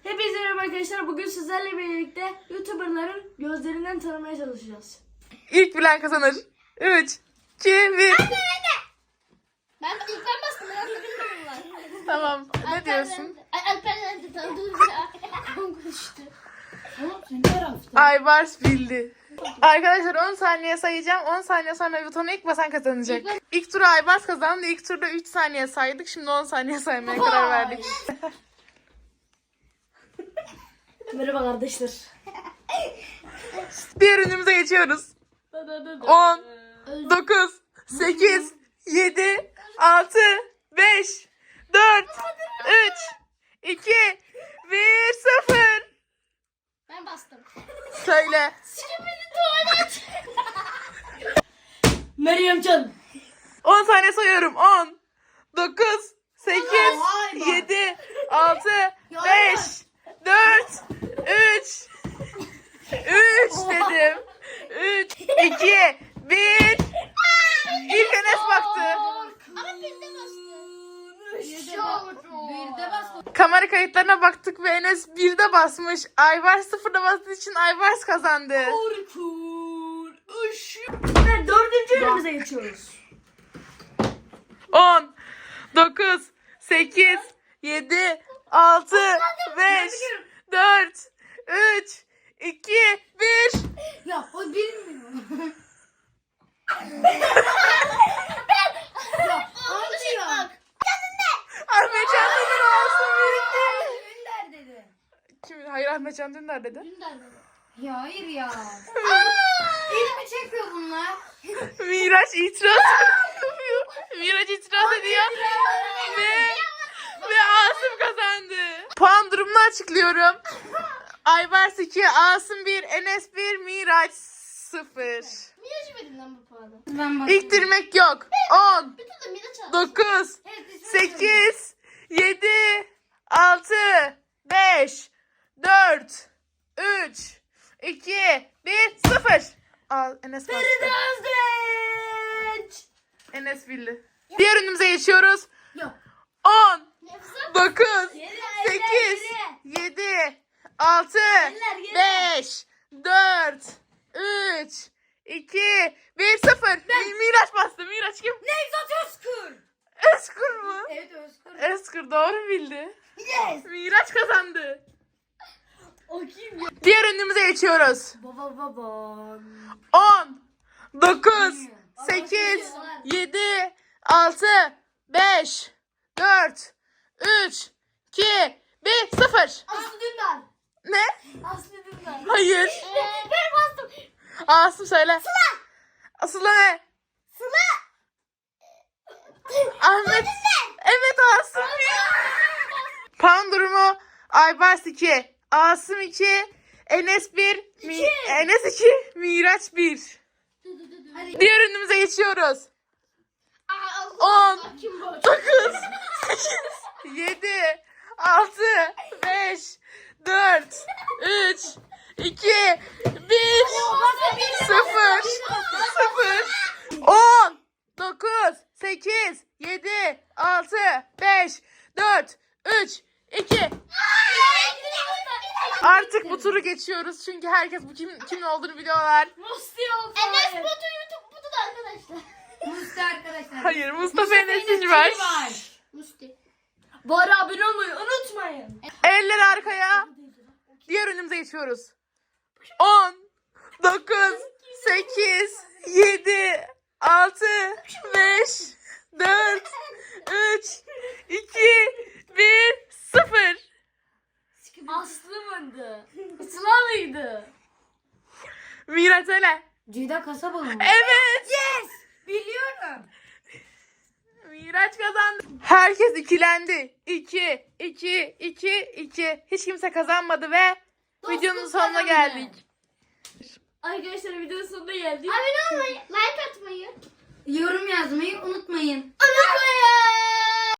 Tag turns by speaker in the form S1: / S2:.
S1: Hepinize merhaba arkadaşlar. Bugün sizlerle birlikte YouTuber'ların gözlerinden tanımaya çalışacağız.
S2: İlk bilen kazanır. 3, 2, 1.
S3: Ben ilk ben bastım. Ben de bilmiyorum.
S2: Tamam. Ne diyorsun?
S3: Alper'den de tanıdığım konuştu.
S2: Aybars bildi. Arkadaşlar 10 saniye sayacağım. 10 saniye sonra butona ilk basan kazanacak. İlk turu Aybars kazandı. İlk turda 3 saniye saydık. Şimdi 10 saniye saymaya karar verdik.
S1: Merhaba kardeşler.
S2: Diğer ürünümüze geçiyoruz. 10, 9, 8, 7, 6, 5, 4, 3, 2, 1, 0.
S3: Ben bastım.
S2: Söyle.
S3: Skibidi tuvalet.
S1: Meryemcan.
S2: 10 saniye sayıyorum. 10, 9, 8, 7, 6, 5, 4, 3, 3 dedim. 3, 2, 1. İlk Enes baktı.
S3: Ama birde bastım.
S2: Kamera kayıtlarına baktık ve Enes 1'de basmış. Aybars 0'da bastığı için Aybars kazandı.
S1: Orkun. Ve dördüncü ürünümüze geçiyoruz.
S2: 10, 9, 8, 7, 6, 5, 4, 3, 2, 1.
S3: Ya o bilmiyor. Anlıyor.
S2: Ahmet Can Dündar olsun birlikte.
S3: Dündar dedi.
S2: Kim? Hayır, Ahmet Can Dündar dedi.
S3: Dündar dedi. Ya hayır ya. Elimi çekiyor bunlar.
S2: Miraç itiraz yapıyor. Miraç itiraz ediyor. Ve Asım kazandı. Puan durumunu açıklıyorum. Aybars 2, Asım 1, Enes 1, Miraç 0.
S3: Niye içmedin lan bu puanı?
S2: İktirmek yok. 10,
S3: Bir tutum bir de çal.
S2: 9, 8, 7, 6, 5, 4, 3, 2, 1, 0. Al, Enes bastı.
S1: Özdeç.
S2: Enes bildi. Diğer ürünümüze geçiyoruz.
S1: Yok.
S2: 10,
S3: Nefes
S2: 9,
S1: Geri,
S2: 8,
S1: geri.
S2: 7, 6,
S1: geri.
S2: 5, 4, 3, 2, 1, 0. Miraç bastı. Miraç kim?
S1: Nevzat Özkür.
S2: Özgür mü?
S1: Evet Özkür.
S2: Özgür doğru bildi.
S1: Yes.
S2: Miraç kazandı.
S1: O kim ya?
S2: Diğer ürünümüze geçiyoruz.
S1: Baba.
S2: 10, 9, 8, 7, 6, 5, 4, 3, 2, 1, 0.
S1: Aslı Dündar.
S2: Ne?
S1: Aslı Dündar.
S2: Hayır.
S3: Ben bastım.
S2: Asım söyle. Sıla ne? Ahmet. Evet Asım. Puan durumu Aybars 2, Asım 2, Enes 1, Enes 2, Miraç 1.
S3: Hadi.
S2: Diğer ürünümüze geçiyoruz. 10, 9, 8, 7, 6, 5, 4, 3, 2, 1, 0, 0, 10, 9, 8, 7, 6, 5, 4, 3, 2. Artık bu turu geçiyoruz çünkü herkes bu kimin olduğunu biliyorlar.
S1: Musti oldu.
S3: Enes Batu YouTube Batu da arkadaşlar.
S1: Musti arkadaşlar.
S2: Hayır, Mustafa Enes'in var.
S3: Musti.
S1: Bari abone olmayı unutmayın.
S2: Eller arkaya. Diğer önümüze geçiyoruz. 10, 9, 8, 7, 6, 5, 4, 3, 2, 1, 0.
S1: Aslı mıydı? Sıla mıydı?
S2: Miraç öyle.
S1: Ceyda Kasabalı mı?
S2: Evet.
S1: Yes! Biliyorum.
S2: Miraç kazandı. Herkes ikilendi. 2, 2, 2, 2. Hiç kimse kazanmadı ve videonun sonuna
S3: kazandı.
S2: geldik.
S1: Arkadaşlar videonun sonuna geldik.
S3: Abone olmayı, like atmayı
S1: Yorum yazmayı unutmayın.
S3: unutmayın.